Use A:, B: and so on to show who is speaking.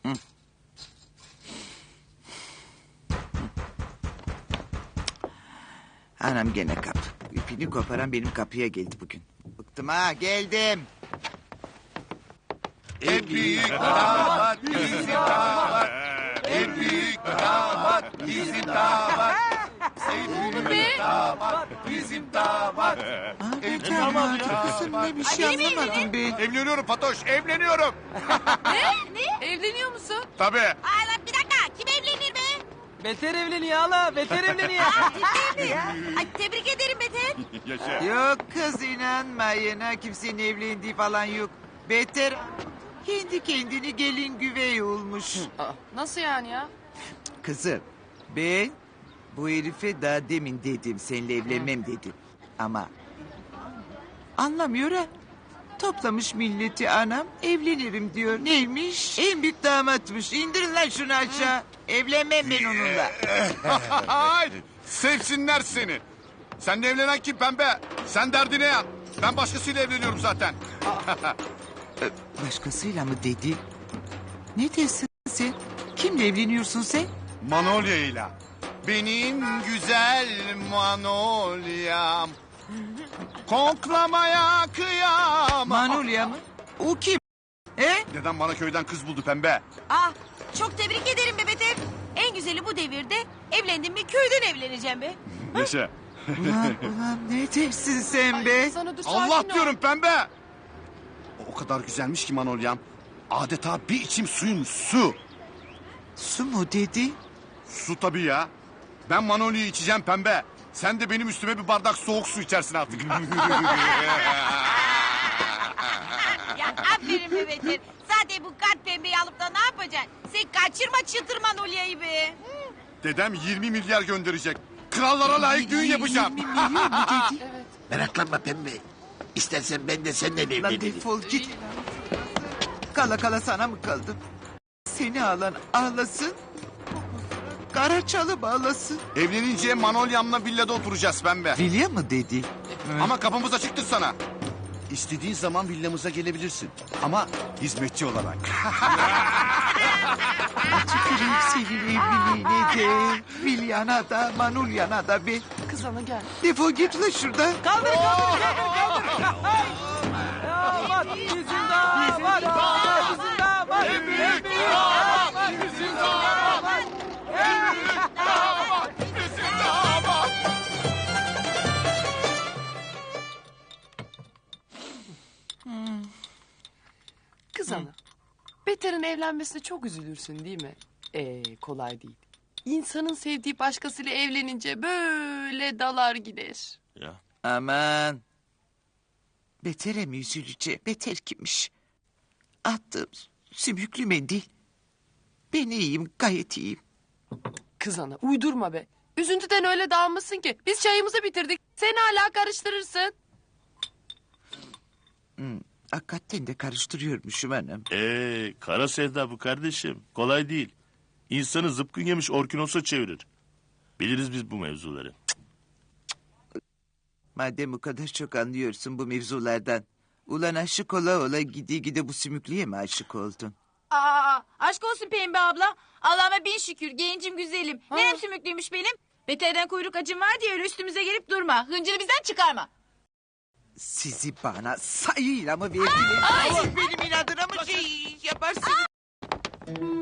A: Anam gene kapı. İpini koparan benim kapıya geldi bugün. Bıktım ha, geldim.
B: En büyük damat bizim damat. En büyük damat bizim damat. En büyük damat bizim damat.
A: Abi damat kızım, ne bir şey anlamadım ben.
B: Evleniyorum Fatoş, evleniyorum.
C: Ne? Evleniyor musun?
B: Tabii.
D: Ay lan bir dakika, kim evlenir be?
E: Beter evleniyor hala, beter evleniyor.
D: Ciddi mi ya? Ay tebrik ederim Beter.
B: Yaşa.
A: Yok kız, inanmayın ha, kimsenin evlendiği falan yok. Beter kendi kendini gelin güvey olmuş.
C: Nasıl yani ya?
A: Kızım, ben bu herife daha demin dedim, seninle evlenmem dedim. Ama anlamıyor ha. Toplamış milleti anam, evlenirim diyor. Neymiş? En büyük damatmış. İndirin lan şunu aşağı. Evlenmem ben onunla.
B: Ay, sevsinler seni. Seninle evlenen kim pembe? Sen derdine yan. Ben başkasıyla evleniyorum zaten.
A: Başkasıyla mı dedi? Ne dersin sen? Kimle evleniyorsun sen?
B: Manolya ile. Benim güzel Manolya'm. Koklamaya kıyamam.
A: Manolya mı? O kim?
B: Neden bana köyden kız buldu pembe?
D: Ah, çok tebrik ederim be Beter. En güzeli bu devirde evlendim mi köyden evleneceğim be.
B: Yaşa.
A: Ulan ne dersin sen be?
C: Sana dur,
B: Allah
C: sakin ol.
B: diyorum pembe. O kadar güzelmiş ki Manolya'm. Adeta bir içim suyun su.
A: Su mu dedi?
B: Su tabii ya. Ben Manolya'yı içeceğim pembe. Sen de benim üstüme bir bardak soğuk su içersin artık.
D: Ya aferin be Beter. Zaten bu kart pembeyi alıp da ne yapacaksın? Sen kaçırma çıtırman Olya'yı be.
B: Dedem 20 milyar gönderecek. Krallara layık düğün yapacağım.
A: 20 milyon mu dedi?
F: Meraklanma pembe. İstersen ben de seninle
A: Lan
F: evlenirim.
A: defol git. Kala kala sana mı kaldım? Seni alan ağlasın. Karaçalı bağlasın.
B: Evlenince Manolya'mla villada oturacağız pembe.
A: Vilya mı dedi?
B: Ama kapımız açıktır sana. İstediğin zaman villamıza gelebilirsin. Ama hizmetçi olarak.
A: Tüküreyim senin evliliğine de. Vilyana da, Manulyana da be.
C: Kız ana gel.
A: Defol git lan şuradan.
E: Kaldır. Damat bizim damat. Bizim damat.
B: En büyük damat bizim damat. En büyük damat bizim damat.
C: Kız ana. Beter'in evlenmesine çok üzülürsün değil mi? Kolay değil. İnsanın sevdiği başkasıyla evlenince böyle dalar gider.
A: Aman. Beter'e mi üzüleceğim? Beter kimmiş? Attığım sümüklü mendil. Ben iyiyim, gayet iyiyim.
C: Kız ana uydurma be. Üzüntüden öyle dağılmışsın ki. Biz çayımızı bitirdik. Sen hala karıştırırsın.
A: Hakikaten de karıştırıyormuşum hanım.
G: Kara sevda bu kardeşim. Kolay değil. İnsanı zıpkın yemiş orkinosa çevirir. Biliriz biz bu mevzuları.
A: Madem o kadar çok anlıyorsun bu mevzulardan. Ulan aşık ola ola gide bu sümüklüye mi aşık oldun?
D: Aa, aşk olsun Pembe abla. Allah'ıma bin şükür gencim güzelim. Nerem sümüklüymüş benim. Beterden kuyruk acım var diye öyle üstümüze gelip durma. Hıncını bizden çıkarma.
A: Sizi bana sayıyla mı verdiniz? Benim inadına mı şey yaparsınız?